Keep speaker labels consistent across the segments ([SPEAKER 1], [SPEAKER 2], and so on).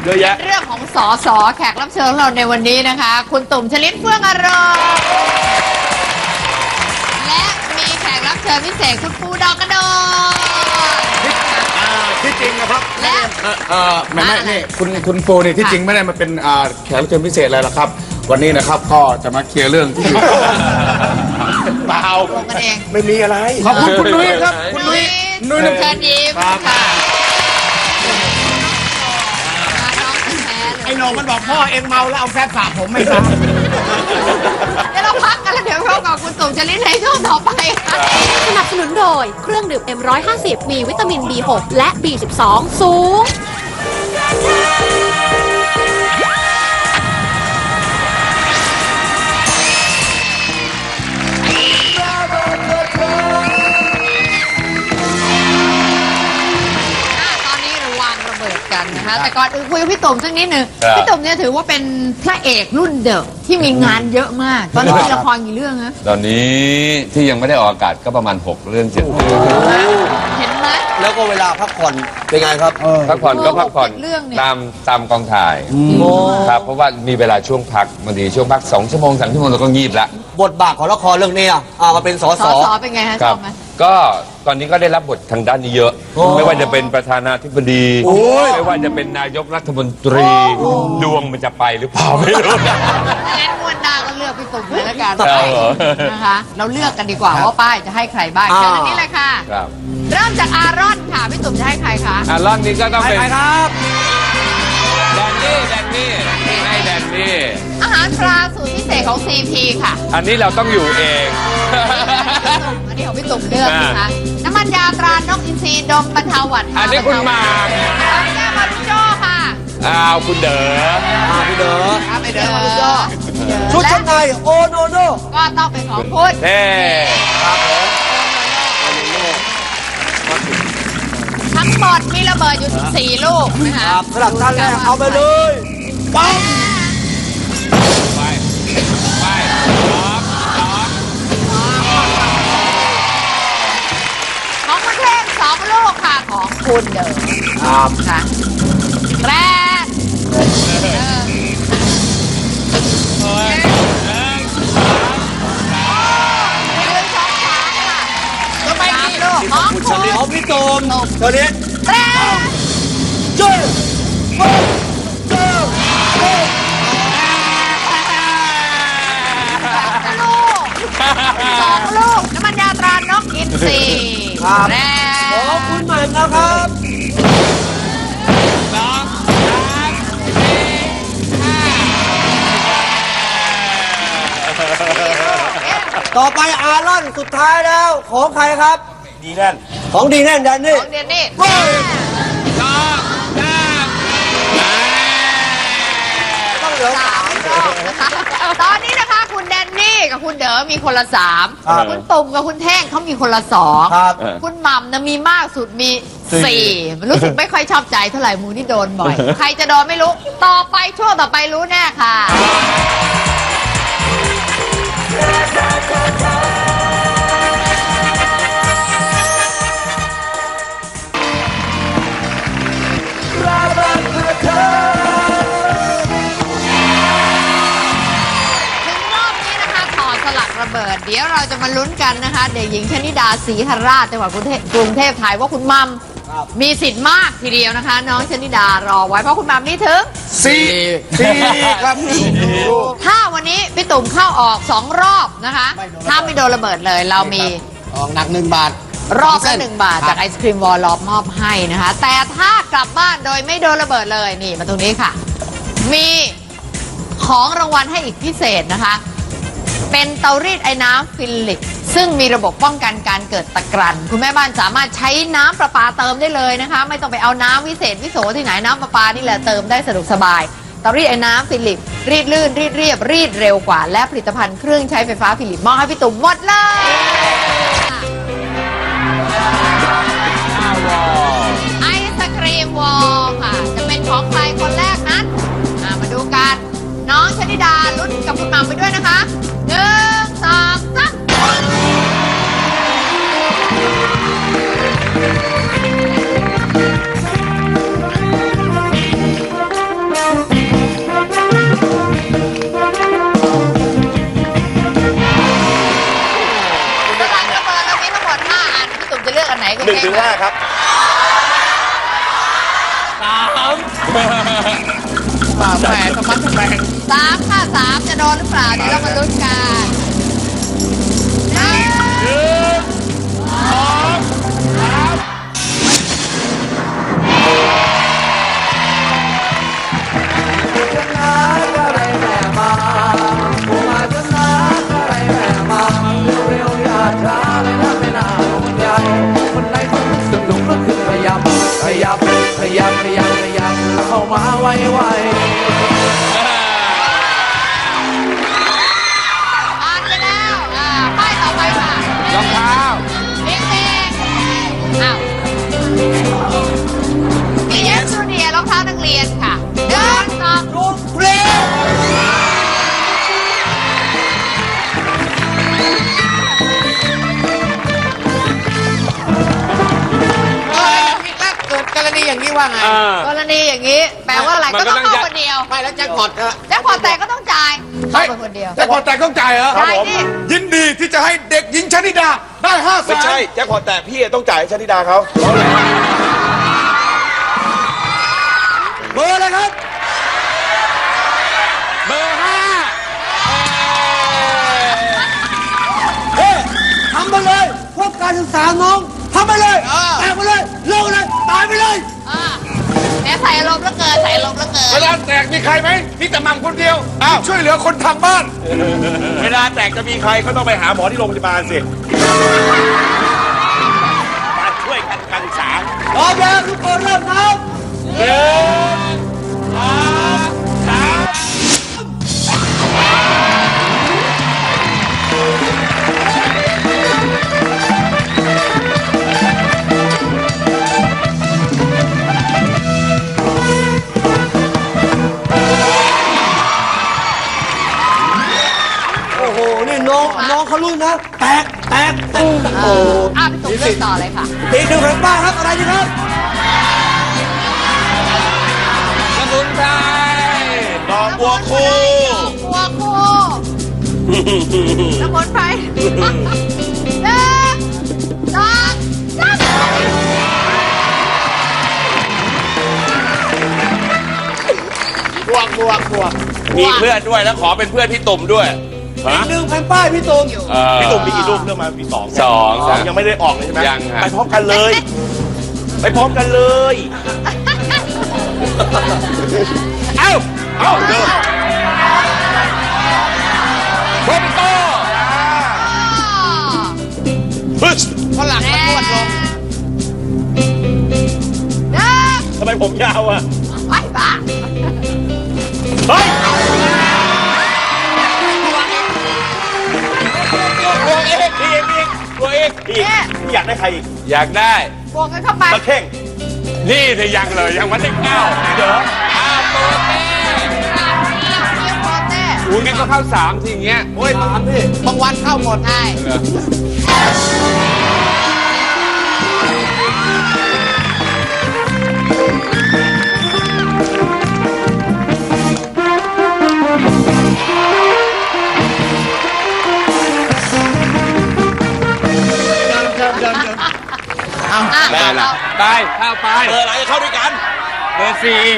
[SPEAKER 1] อะแยะ
[SPEAKER 2] เรื่องของสสแขกรับเชิญของเราในวันนี้นะคะ คุณตุ่มชลิดเฟื่องอารมณ์และมีแขกรับเชิญพิเศษคุณปูดอกกระโดด
[SPEAKER 1] ที่จริงนะครับ
[SPEAKER 2] และ
[SPEAKER 1] แม่นี่คุณปูนี่ที่จริงไม่ได้มาเป็นแขกรับเชิญพิเศษอะไรหรอกครับ วันนี้นะครับก็จะมาเคลียร์เรื่องที่เปล่า
[SPEAKER 2] กันเอง
[SPEAKER 1] ไม่มีอะไรขอบคุณคุณนุ้ยครับคุณนุ้ย
[SPEAKER 2] เชิญยิ้มค่ะ
[SPEAKER 3] ไอ้โหนงมันบอกพ่อเอ็งเมาแล้วเอาแฟบสาผมไม่ครับ
[SPEAKER 2] เดี๋ยวเราพักกันแล้วเดี๋ยวเรากับคุณตุ่มชลิดในช่วงต่อไปค่ะ
[SPEAKER 4] สนับสนุนโดยเครื่องดื่ม M150 มีวิตามิน B6 และ B12 สูง
[SPEAKER 2] กันนะคะแต่ก่อนอื่นคุยกับพี่ตุ่มสักนิดหนึ่งพี่ตุ่มเนี่ยถือว่าเป็นพระเอกรุ่นเดิมที่มีงานเยอะมากตอนนี้มีละครกี่เรื่องนะ
[SPEAKER 5] ตอนนี้ที่ยังไม่ได้ออกอากาศก็ประมาณ6 เรื่อง 7 เรื่อง
[SPEAKER 2] เห็นไหม
[SPEAKER 3] แล้วก็เวลาพักผ่อนเป็นไงครับ
[SPEAKER 5] พักผ่อนก็พักผ่อนตามกองถ่ายครับเพราะว่ามีเวลาช่วงพักบางทีช่วงพัก2 ชั่วโมง 3 ชั่วโมงเราก็งีบละ
[SPEAKER 3] บทบาทของละครเรื่องนี้มาเป็นสส
[SPEAKER 2] เป็นไงฮะชอบไหม
[SPEAKER 5] ก็ตอนนี้ก็ได้รับบททางด้านนี้เยอะไม่ว่าจะเป็นประธานาธิบดีไม่ว่าจะเป็นนายกรัฐมนตรีดวงมันจะไปหรือเปล่าไม่รู้
[SPEAKER 2] งั้นงวดหน้าก็เลือกพี่ตุ่มเลยแล้วกันนะคะเราเลือกกันดีกว่าว่าป้ายจะให้ใครบ้างเชิญนี้เลยค่ะเริ่มจากอารอนค่ะพี่ตุ่มจะให้ใครคะ
[SPEAKER 5] อารอนนี้ก็ต้องเป็น
[SPEAKER 3] ครับ
[SPEAKER 5] แดนนี่ให้แดนนี่
[SPEAKER 2] อาหารปลาสูตรพิเศษของ CP ค่ะ
[SPEAKER 5] อันนี้เราต้องอยู่เอง
[SPEAKER 2] อันนี้ของพี่ตุ่มเลือกนะคะน้ำมันยาตรานกอินทรีดมบรรเทาหวัด
[SPEAKER 5] อันนี้คุณหมาก
[SPEAKER 2] แก้วมารุโจ้ค่ะ
[SPEAKER 5] คุณเด๋อ
[SPEAKER 3] พี่เด๋อ
[SPEAKER 2] ไม่เด๋อมารุโจ้
[SPEAKER 3] ชุดชั้นในโอโนโน
[SPEAKER 2] ก็ต้องเป็นของพุทธ
[SPEAKER 5] ครับผม
[SPEAKER 2] ทั้งหมดมีระเบิดอยู่14 ลูกนะคะ
[SPEAKER 3] สลับด้านแรกเอาไปเลยปัง
[SPEAKER 5] ไป
[SPEAKER 2] ของคุณเทพ2 ลูกค่ะของคุณเดิมค่ะแรก
[SPEAKER 3] ของคุณของพี่ตุ่มตัวนี้
[SPEAKER 2] แรก
[SPEAKER 3] จุ๊บ
[SPEAKER 2] 2 ลูกน้ำมันยาตรานกอินทรีแรก
[SPEAKER 3] ของคุณหม่ำนะครับต่อไปอารอนสุดท้ายแล้วของใครครับ
[SPEAKER 1] ดีแน่น
[SPEAKER 3] ของดีแน่นแดนนี่
[SPEAKER 2] ของเดนนี่
[SPEAKER 3] ต้องเหลือ3
[SPEAKER 2] รอบนะคะตอนนี้นะคะคุณแดนนี่กับคุณเด๋อมีคนละ3คุณตุ่มกับคุณแท่งเขามีคนละ2คุณหม่ำนะมีมากสุดมี4รู้สึกไม่ค่อยชอบใจเท่าไหร่มูนี่โดนบ่อยใครจะโดนไม่รู้ต่อไปช่วงต่อไปรู้แน่ค่ะระเบิดเดี๋ยวเราจะมาลุ้นกันนะคะเด็กหญิงชนิดาศรีหราชจังหวัดกรุงเทพไทยว่าคุณมัมมีสิทธิ์มากทีเดียวนะคะน้องชนิดารอไว้เพราะคุณมัมนี่ถึง
[SPEAKER 1] 4ครับ
[SPEAKER 2] ถ้าวันนี้พี่ตุ่มเข้าออก2 รอบนะคะถ้าไม่โดนระเบิดเลยเรามี
[SPEAKER 3] ออกหนัก1 บาท
[SPEAKER 2] รอบละ1 บาทจากไอศครีมวอลล์มอบให้นะคะแต่ถ้ากลับบ้านโดยไม่โดนระเบิดเลยนี่มาตรงนี้ค่ะมีของรางวัลให้อีกพิเศษนะคะเป็นเตารีดไอ้น้ำฟิลิปซึ่งมีระบบป้องกันการเกิดตะกรันคุณแม่บ้านสามารถใช้น้ำประปาเติมได้เลยนะคะไม่ต้องไปเอาน้ำวิเศษวิโสที่ไหนน้ำประปานี่แหละเติมได้สะดวกสบายเตารีดไอ้น้ำฟิลิปรีดลื่นรีดเรียบรีดเร็วกว่าและผลิตภัณฑ์เครื่องใช้ไฟฟ้าฟิลิปมอบให้พี่ตุ่มหมดเลยไอศครีมวอลค่ะจะเป็นของใครคนแรกนั้นมาดูกันน้องชนิดาลุ้นกับคุณหม่ำไปด้วยนะคะ1 2 3
[SPEAKER 6] 1 ถึง 5 ครับ
[SPEAKER 3] แหมสมัติแหม
[SPEAKER 2] 3 ค่ะ 3 จะโดนหรือเปล่า เดี๋ยวเรามาลุ้นกัน
[SPEAKER 7] เข้ามาไว
[SPEAKER 2] ผ่านไปแล้วป้ายต่อไปค่ะ
[SPEAKER 5] รองเท้า
[SPEAKER 2] เด็กๆอ้าวมีเอสจูเนียรองเท้านักเรียนค่ะเดินต่อ
[SPEAKER 3] ลูกเพลงเกิดกรณีอย่างนี้ว่าไง
[SPEAKER 2] กรณีอย่างนี้ แปลว่าอะไร
[SPEAKER 5] มัน
[SPEAKER 2] ก็
[SPEAKER 5] ก็
[SPEAKER 2] ต้อง
[SPEAKER 5] ต้อง
[SPEAKER 2] เข้า
[SPEAKER 5] ยัด
[SPEAKER 2] คนเดียว
[SPEAKER 3] ไม่แล้วแจ็คพอตอะ
[SPEAKER 2] แจ็คพอตแตกก็ต้องจ่ายเข้าไปคนเดียว
[SPEAKER 1] แต่พอแต่ต้องจ่ายเหรอ
[SPEAKER 2] ใช่ดิ
[SPEAKER 1] ยินดีที่จะให้เด็กหญิงชนิดาได้5 แส
[SPEAKER 6] ไม่
[SPEAKER 1] น
[SPEAKER 6] ใช่แจ็คพอตแตกพี่ต้องจ่ายให้ชนิดาเขา
[SPEAKER 3] เบอร์อะไรครับ
[SPEAKER 5] เบอร์
[SPEAKER 3] เฮ้ยทำไปเลยพวกการศึกษาน้องทำไปเลยแตกไปเลยเลิกเลยตายไปเลย
[SPEAKER 2] แม่ใส่ลมแล้วเกินใส่ลมแล้วเกิน
[SPEAKER 1] เวลาแตกมีใครไหมมีแต่หม่ำคนเดียวช่วยเหลือคนทางบ้าน
[SPEAKER 6] เวลาแตกจะมีใครก็ต้องไปหาหมอที่โรงพยาบาลสิมาช่วยกันการศึกษา
[SPEAKER 3] พร้อมแล้วทุกคนเริ่มนับ โอ้โห นี่น้องเขาลุ้นนะ แตกโอ้โห
[SPEAKER 2] พี่ตุ๋มเลือกต่อเลยค่ะ
[SPEAKER 3] อีก1 แผ่นป้ายครับ อะไรดีครับ
[SPEAKER 5] สมุนไพร
[SPEAKER 6] ดอกบัวคู่
[SPEAKER 2] บัวคู่สมุนไพร1 2
[SPEAKER 3] บวก
[SPEAKER 6] มีเพื่อนด้วยแล้วขอเป็นเพื่อนพี่ตุ่มด้วย
[SPEAKER 3] อีก1 แผ่นป้ายพี่ตุ่ม
[SPEAKER 6] พี่ตุ่มมีกี่ลูกเรื่องมามี2
[SPEAKER 5] 2 ครับ
[SPEAKER 6] ยังไม่ได้ออกเลยใช่ไหม
[SPEAKER 5] ยังครับ
[SPEAKER 6] ไปพร้อมกันเลย ไปพร้อมกันเลย เอ้าเดิน
[SPEAKER 5] โรเบโต้
[SPEAKER 6] ฮึช
[SPEAKER 3] ฝรั่งมันนวดลง
[SPEAKER 6] ทำไมผมยาวอ่ะ
[SPEAKER 2] ไปบ้า
[SPEAKER 6] เฮ้ยตัวเอกตัวเอกพี่อยากได้ใครอีก
[SPEAKER 5] อยากได้
[SPEAKER 2] บวกกันเข้าไป
[SPEAKER 6] ตะเข่ง
[SPEAKER 5] นี่เธอยังเลยยังวันที่9เดี๋ยวโปเต้
[SPEAKER 2] เรียกโปเต้
[SPEAKER 5] อุ้ยงั้นก็เข้า3ทีอย่างเงี้ย
[SPEAKER 3] โอ้ย3พี่บางวันเข้าหมด
[SPEAKER 2] ใช่
[SPEAKER 5] ได้ละไปเข้าไป
[SPEAKER 6] เบอร์อะไรเข้าด้วยกัน
[SPEAKER 5] เบอร์ 4
[SPEAKER 2] เบอร์ 4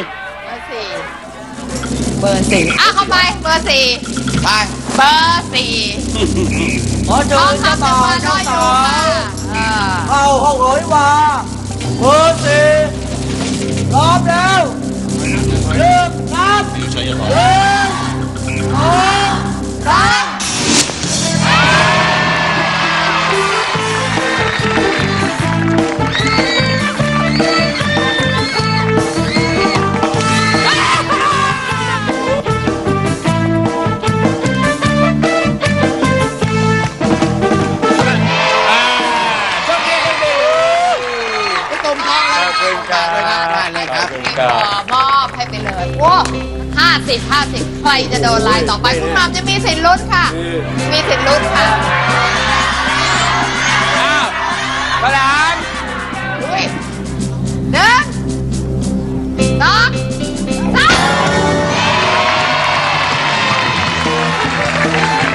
[SPEAKER 2] เข้าไปเบอร์ 4
[SPEAKER 3] ไป
[SPEAKER 2] เบอร์ 4
[SPEAKER 3] ขอเชิญเจ้าบ่าวเจ้าสาว เข้าห้องโหยวาเบอร์4พร้อมแล้วเริ่มนับ1 2 3พี่ตุ่มทองเลยได้เลยครับ
[SPEAKER 2] มอบให้ไปเลยโว้50 ใครจะโดนลายต่อไปคุณหม่ำจะมีสิทธิ์ลุ้นค่ะ มีสิทธิ์ลุ้นค่ะ
[SPEAKER 5] อ้าวประธาน
[SPEAKER 2] ลุย1 2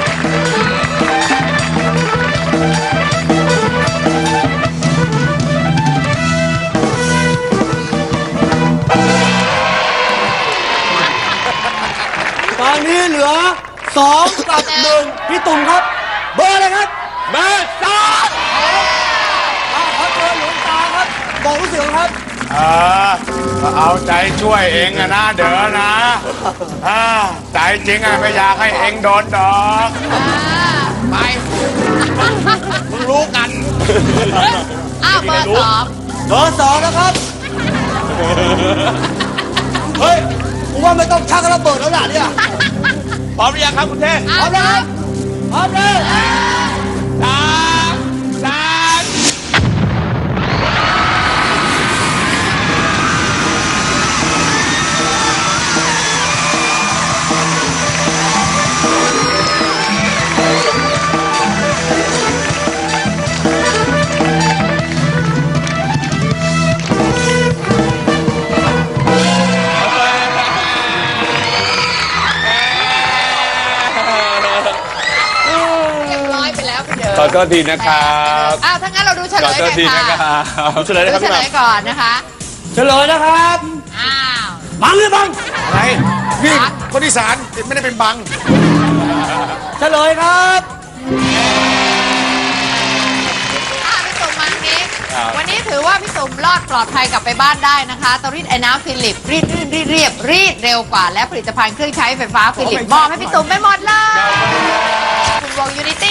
[SPEAKER 2] 3
[SPEAKER 3] 2 กับ 1 พี่ตุ่มครับ เบอร์อะไรครับ
[SPEAKER 5] เบอร์สอง
[SPEAKER 3] ครับเบอร์หลวงตาครับ บอกรู้สึกครับ
[SPEAKER 1] ก็เอาใจช่วยเองอะนะเด้อนะใจจริงอะไม่อยากให้เองโดนดอก
[SPEAKER 2] ไป
[SPEAKER 1] มึงรู้กัน
[SPEAKER 2] อ้าวเบอร์สอง
[SPEAKER 3] เบอร์2นะครับ เฮ้ยผมว่าไม่ต้องชักระเบิดแล้วล่ะเนี่ย
[SPEAKER 6] พร้อมหรือยังครับคุณเทพ
[SPEAKER 3] พร้อมนะครับพร้อมเลย
[SPEAKER 6] 3
[SPEAKER 2] เรียบร้อยไปแล้วคุณเดิ
[SPEAKER 5] ขอโทษทีนะครับ
[SPEAKER 2] อ้าวถ้างั้นเราดูเฉล
[SPEAKER 5] ขอย โทษที
[SPEAKER 2] เลย
[SPEAKER 5] นะค
[SPEAKER 2] ค่ะ
[SPEAKER 5] รับ
[SPEAKER 6] เฉลยเลยครับ
[SPEAKER 2] ดู
[SPEAKER 6] พี่
[SPEAKER 2] เฉ
[SPEAKER 6] ห
[SPEAKER 2] ล
[SPEAKER 6] ม่ำ
[SPEAKER 2] ยก่อนนะคะ
[SPEAKER 3] เฉลยนะครับ
[SPEAKER 2] อ้าว
[SPEAKER 3] บังหรือบัง
[SPEAKER 1] อะไรนี่คนอีสานไม่ได้เป็นบัง
[SPEAKER 3] เฉลยครับ
[SPEAKER 2] พี่ตุ่มมาทางนี้วันนี้ถือว่าพี่ตุ่มรอดปลอดภัยกลับไปบ้านได้นะคะเตารีดไอ้น้ำฟิลิปรีดรื่นรีดเรียบรีดเร็วกว่าและผลิตภัณฑ์เครื่องใช้ไฟฟ้าฟิลิปมอบให้พี่ตุ่มไปหมดเลยคุณวงยูนิตี้